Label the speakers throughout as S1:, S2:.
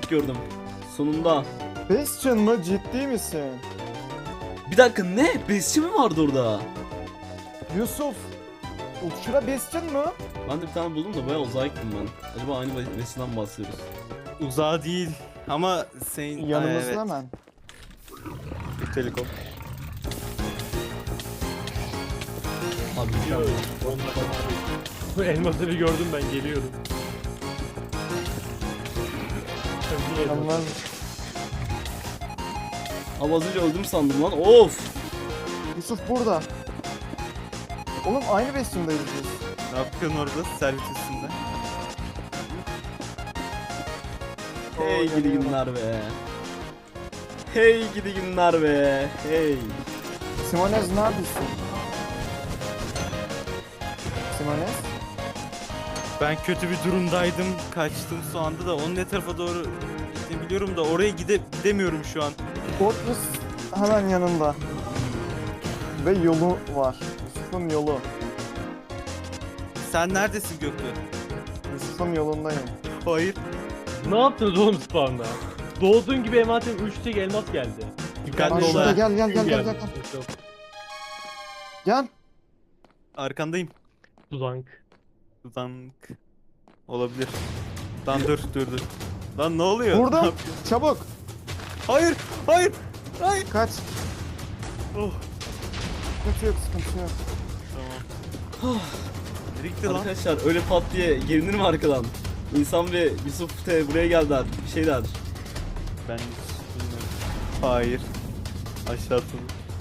S1: Bastion gördüm. Sonunda.
S2: Bastion mı? Ciddi misin?
S1: Bir dakika, ne? Bastion mi vardı orada?
S2: Yusuf. Şura Bastion mı?
S1: Ben de bir tane buldum da bayağı uzağa gittim ben. Acaba aynı Bastion'dan bahsediyoruz.
S3: Uzağa değil ama senin
S2: Yanımızda
S3: evet.
S2: hemen.
S3: Telekom.
S1: Abi
S4: Bu elması bir gördüm ben geliyorum.
S2: Yanlar.
S1: Abi az önce öldüm sandım lan. Of.
S2: Yusuf burada. Oğlum aynı Bastion'dayız biz.
S3: Ne yapıyorsun orada servis üstünde?
S1: Hey
S2: Oo,
S1: gidi
S2: yanıyor.
S1: günler be. Hey gidi günler be. Hey.
S2: Simonez neredesin? Simonez?
S3: Ben kötü bir durumdaydım. Kaçtım şu anda da onun ne tarafa doğru gittiğini biliyorum da oraya gidemiyorum şu an.
S2: Fortress hemen yanında. Ve yolu var. Yusuf'un yolu.
S3: Sen neredesin Göktuğ?
S2: Yusuf'un yolundayım.
S3: Hayır.
S4: Ne yaptınız oğlum spawn'da? Doğduğun gibi envanterim 3 tek elmas geldi.
S3: Dikkatli
S2: Lan
S3: ol
S2: şurada
S3: ha.
S2: gel. Gel.
S3: Arkandayım.
S4: Tuzank.
S3: Zank. Olabilir. Lan dur. Lan ne oluyor?
S2: Burada.
S3: Ne yapıyorsun?
S2: Çabuk.
S3: Hayır.
S2: Kaç.
S3: Oh.
S2: Sıkıntı yok.
S3: Tamam. Nereye gitti lan?
S1: Arkadaşlar öyle pat diye gelinir mi arkadan? İnsan ve Yusuf te buraya geldiler. Bir şeyler.
S3: Ben hiç bilmiyorum. Hayır. Aşağı atıldı.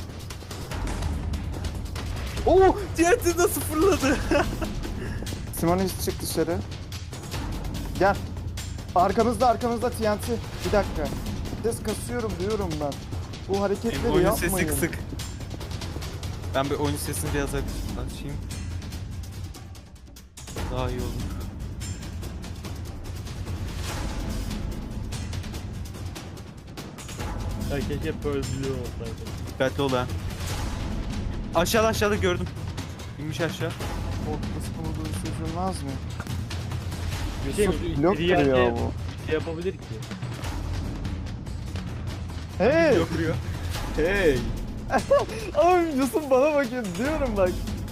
S3: Oo! TNT nasıl fırladı?
S2: Simonez çık dışarı. Gel. Arkamızda TNT. Bir dakika. Ses kasıyorum diyorum ben. Bu hareketleri
S3: Oyun
S2: yapmayın.
S3: sesi kısık. Ben bir oyun sesini biraz açayım. Daha iyi olur.
S4: Ya keşke hep böyle biliyor olsaydı.
S3: Dikkatli ol ha. Aşağıda gördüm. İnmiş aşağı.
S2: Fortress bunu sözülmez mi?
S4: Bir şey mi?
S2: Blok
S4: Bir yerde
S2: duruyor bu.
S4: bir şey yapabilir ki.
S2: Hey!
S3: Yokuruyor.
S1: Hey.
S2: Abi Yusuf bana bakıyor diyorum bak.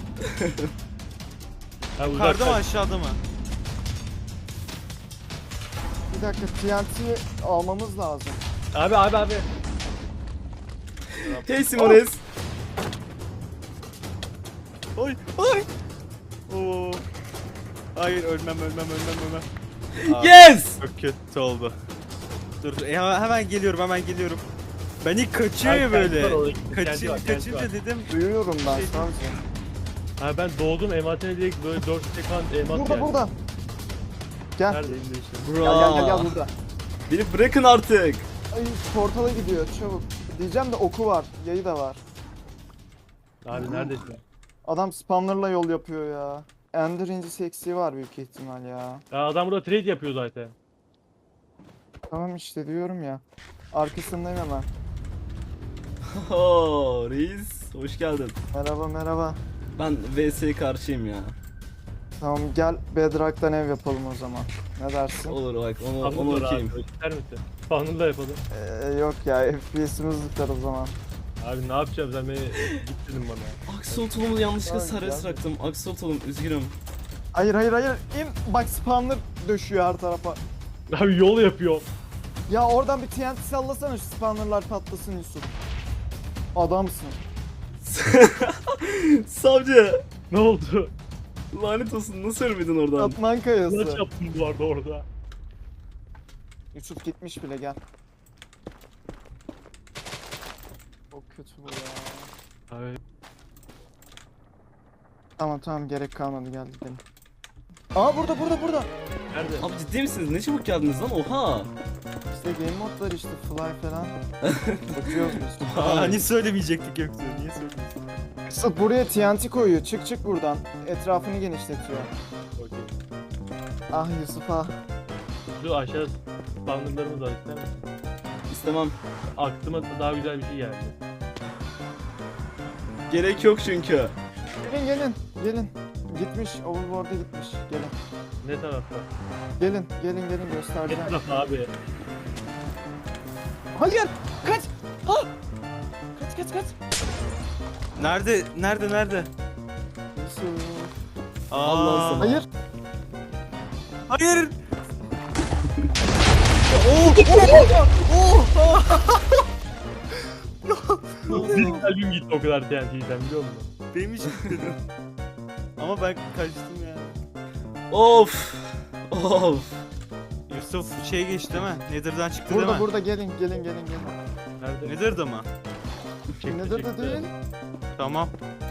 S4: Ha,
S3: Yukarıda mı aşağıda mı?
S2: Bir dakika TNT'yi almamız lazım.
S4: Abi.
S1: Hey Simonez.
S3: Ay. Oo. Hayır ölmem.
S1: Yes.
S3: Çok kötü oldu. Dur hemen geliyorum. Ben ilk kaçıyor ya
S4: Abi,
S3: böyle.
S4: kendi var orada, kendi var, kendi
S3: Kaçınca
S4: var.
S3: dedim.
S2: Duyuyorum ben
S3: Şey-
S2: sadece.
S4: Ha ben doğdum envantere direkt böyle 4 tek falan elmas geldi.
S2: Burada. Gel.
S4: Neredeyim de işte.
S1: Bra.
S2: Burada.
S1: Beni bırakın artık.
S2: Ay portala gidiyor çabuk. Diyeceğim de oku var. Yayı da var.
S4: Abi neredesin?
S2: Adam spamlarla yol yapıyor ya. Ender incisi eksiği var büyük ihtimal ya.
S4: Ya adam burada trade yapıyor zaten.
S2: Tamam işte diyorum ya. Arkasındayım hemen.
S1: Oo, reis. Hoş geldin.
S2: Merhaba.
S1: Ben VS'ye karşıyım ya.
S2: Tamam gel Bedrock'tan ev yapalım o zaman. Ne dersin?
S1: Olur bak onu
S4: Spawner'la abi,
S1: okuyayım.
S4: ister misin? Spawner'la yapalım.
S2: Yok ya FPS'imiz tutar o zaman.
S4: Abi ne yapacağım sen beni git dedim bana.
S1: Axolotlumu yanlışlıkla
S2: Tamam,
S1: serbest
S2: güzel.
S1: bıraktım. Axolotlum üzgünüm.
S2: Hayır. İn. Bak spawner döşüyor her tarafa.
S4: Abi yol yapıyor.
S2: Ya oradan bir TNT sallasana şu spawnerlar patlasın Yusuf. Adamsın.
S1: Savcı.
S4: Ne oldu?
S1: Lanet olsun, nasıl ölmedin oradan?
S2: Atman kayası.
S4: Kulaç yaptım bu arada orada.
S2: Yusuf gitmiş bile gel. Çok kötü bu ya.
S4: Abi
S2: Tamam gerek kalmadı gel gidelim. Aa burada.
S4: nerede?
S1: Abi ciddi misiniz? Ne çabuk geldiniz lan, oha.
S2: İşte game mod var işte fly falan. Bakıyoruz biz.
S3: Hani söylemeyecektik Göktuğ. Niye söylüyorsun?
S2: Yusuf buraya TNT koyuyor. Çık buradan. Etrafını genişletiyor.
S4: Okey.
S2: Ah Yusuf ah.
S4: Şu aşağı spawnerlarımız var ister misin?
S1: İstemem.
S4: Aklıma daha güzel bir şey geldi.
S1: Gerek yok çünkü.
S2: Gelin. Gitmiş. Overboard'a gitmiş. Gelin.
S4: Ne tarafta?
S2: Gelin
S4: Ne
S2: göstereceğim.
S4: tarafta abi?
S2: Hayır. Kaç. Ha. Kaç.
S3: Nerede?
S2: Yusuf.
S1: Allah sana.
S2: Hayır.
S3: Hayır.
S4: Bir kalbim gitti o kadar TNT'den biliyor musun?
S3: Benim hiç gitmedim. Ama ben kaçtım ya.
S1: Of.
S3: Yusuf şey geçti değil mi? Nether'dan çıktı değil mi?
S2: Burada gelin.
S4: Nerede?
S3: Nether'da mı?
S4: Çekti,
S2: Nedir de
S4: çekti.
S2: değil.
S3: Tamam.